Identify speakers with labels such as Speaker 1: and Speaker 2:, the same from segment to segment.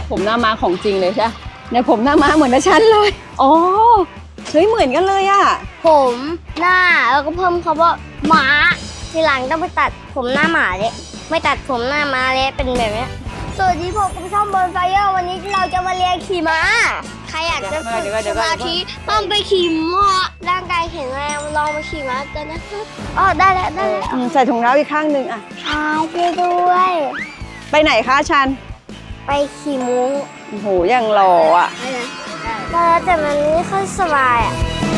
Speaker 1: ผมหน้าม้าของจริงเลยใช่เนี่ยผมหน้าม้าเหมือนนะฉันเลยอ๋อเฮ้ยเหมือนกันเลยอ่ะ
Speaker 2: ผมหน้าแล้วก็เพิ่มคำว่าม้าทีหลังต้องไปตัดผมหน้าหมาเลยไม่ตัดผมหน้าม้าเลยเป็นแบบนี้สวัสดีผมช่องบนไฟเออร์วันนี้เราจะมาเรียนขี่ม้าใครอยากจะฝึกสมาธิต้องไปขี่ม้าร่างกายแข็งแรงลองมาขี่ม้ากันนะครับอ๋อได้แล้ว
Speaker 1: ใส่ถุงเท้าอีกข้างหนึ่งอ่ะ
Speaker 2: พาไปด้วย
Speaker 1: ไปไหนคะชัน
Speaker 2: ไปขี่มุ้ง
Speaker 1: โอ้โหยังหล่ออ่ะ
Speaker 2: แต่มันไม่ค่อยสบายอ่ะ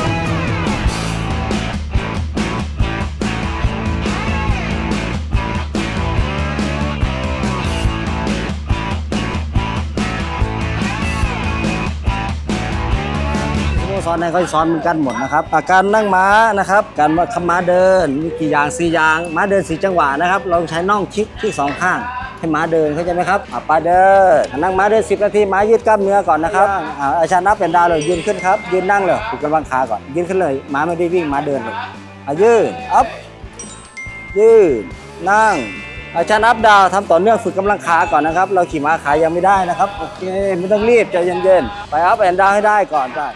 Speaker 3: สอนให้เขาสอนเหมือนกันหมดนะครับการนั่งม้านะครับการขับม้าเดินมีกี่อย่าง4อย่างม้าเดิน4จังหวะนะครับเราใช้น่องคิกที่2ข้างให้ม้าเดินเข้าใจไหมครับไปเดินนั่งม้าเดิน10 นาทีม้ายืดกล้ามเนื้อก่อนนะครับอาจารย์นับเป็นดาวเลยยืนขึ้นครับยืนนั่งเลยฝึกกำลังขาก่อนยืนขึ้นเลยม้าไม่ได้วิ่งม้าเดินเลยยืนอัพยืนนั่งอาจารย์นับดาวทำต่อเนื่องฝึกกำลังขาก่อนนะครับเราขี่ม้าขายังไม่ได้นะครับโอเคไม่ต้องรีบใจเย็นๆไปอัพแอนดาวให้ได้ก่อนได้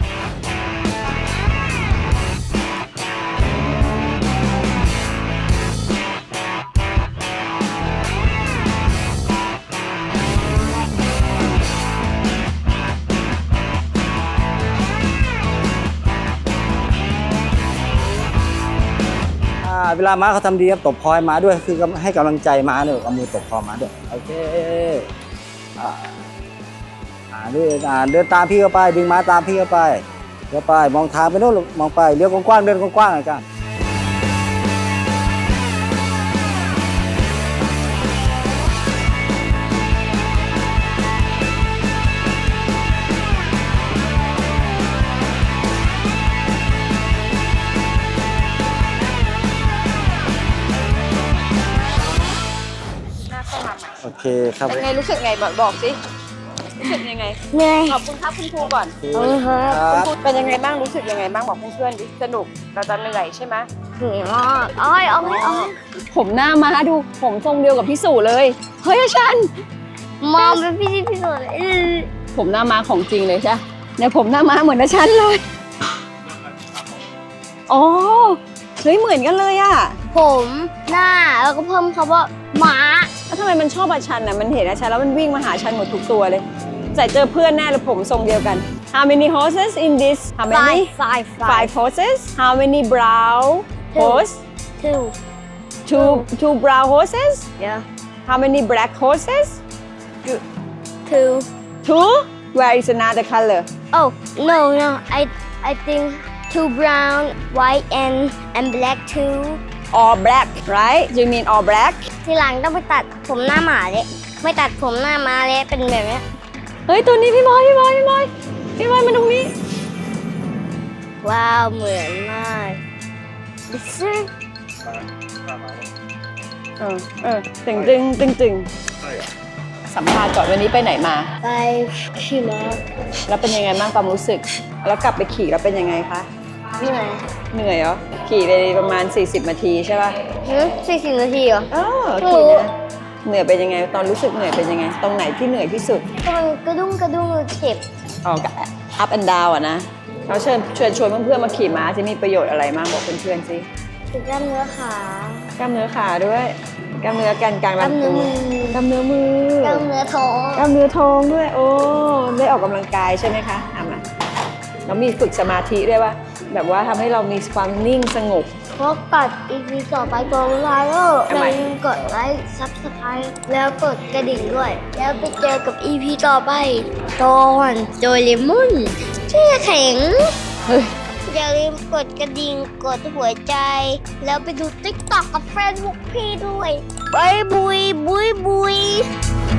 Speaker 3: เวลาม้าเขาทำดีครับตบคอยม้าด้วยคือให้กำลังใจม้าด้วยเอามือตบคอม้าด้วยโอเคเดินตามพี่เข้าไปดึงม้าตามพี่เข้าไปมองทางไปโน่นมองไปเลี้ยวกว้างๆเดินกว้างๆอาจารย์โอเคครับ
Speaker 1: เป็นไงรู้สึกไงบอกสิรู้สึกยังไง
Speaker 2: เหนื่อย
Speaker 1: ขอบคุณครับคุณครูก่อน
Speaker 2: ครับ
Speaker 1: คุณครูเป็นยังไงบ้างรู้สึกยังไงบ้างบอกเพื่อนๆดิสนุกเราจะเหนื่อยใช่ไหม
Speaker 2: เหนื่อยมากอ้อย
Speaker 1: ผมหน้าม้าดูผมทรงเดียวกับพี่สู่เลยเฮ้ยชัน
Speaker 2: มองเป็นพี่สุดเลย
Speaker 1: ผมหน้าม้าของจริงเลยใช่เนี่ยผมหน้าม้าเหมือนนะฉันเลยอ๋อเฮ้ยเหมือนกันเลยอ่ะ
Speaker 2: ผมหน้าแล้วก็เพิ่มคำว่าม้า
Speaker 1: แล้วทำไมมันชอบอาชันอ่ะมันเห็นอาชันแล้วมันวิ่งมาหาชันหมดทุกตัวเลยใส่เจอเพื่อนแน่เลยผมทรงเดียวกัน How many horses in this How many
Speaker 2: Five
Speaker 1: horses How many brown horse Two brown horses
Speaker 2: Yeah
Speaker 1: How many black horses Two Where is another color
Speaker 2: Oh no I think two brown white and black too
Speaker 1: All black right You mean all black
Speaker 2: ทีหลังต้องไปตัดผมหน้าหมาเลยไม่ตัดผมหน้าม้าเลยเป็นแบบนี้
Speaker 1: เฮ้ยตัวนี้พี่บอยมาตรงนี้
Speaker 2: ว้าวเหมือนมากดิซึ
Speaker 1: ตึงสัมภาษณ์ก่อนวันนี้ไปไหนมา
Speaker 2: ไปขี่ม้า
Speaker 1: แล้วเป็นยังไงบ้างความรู้สึกแล้วกลับไปขี่แล้วเป็นยังไงคะ
Speaker 2: เหนื่
Speaker 1: อยเหรอขี่ไปประมาณ40 นาทีใช่ป่ะ
Speaker 2: 40 นาทีเหรอ
Speaker 1: ขี่นะเหนื่อยเป็นยังไงตอนรู้สึกเหนื่อยเป็นยังไงตรงไหนที่เหนื่อยที่สุด
Speaker 2: ก็มันกระดุ้งเจ็บ
Speaker 1: up and down อ่ะนะเราเชิญชวนเพื่อนๆมาขี่ม้าจะมีประโยชน์อะไรบ้างบอกเพื่อนๆสิ
Speaker 2: คือกล้ามเนื้อขาก
Speaker 1: ล้ามเนื้อขาด้วยกล้ามเนื้อกันกลางลำตัวกล้ามเนื้อมือก
Speaker 2: ล้ามเนื้อท้
Speaker 1: องด้วยโอ้ได้ออกกำลังกายใช่ไหมคะมาแล้วมีฝึกสมาธิด้วยว่าแบบว่าทำให้เรามีความนิ่งสงบ
Speaker 2: เพราะกด EP ต่อไปกดไลค์อย่าลืมกดไลค์ซับสไครต์แล้วกดกระดิ่งด้วยแล้วไปเจอกับ EP ต่อไปตอนโดเรมอนแช่แข็งอย่าลืมกดกระดิ่งกดหัวใจแล้วไปดู TikTok กับแฟนบุ๊กพี่ด้วยบายบุย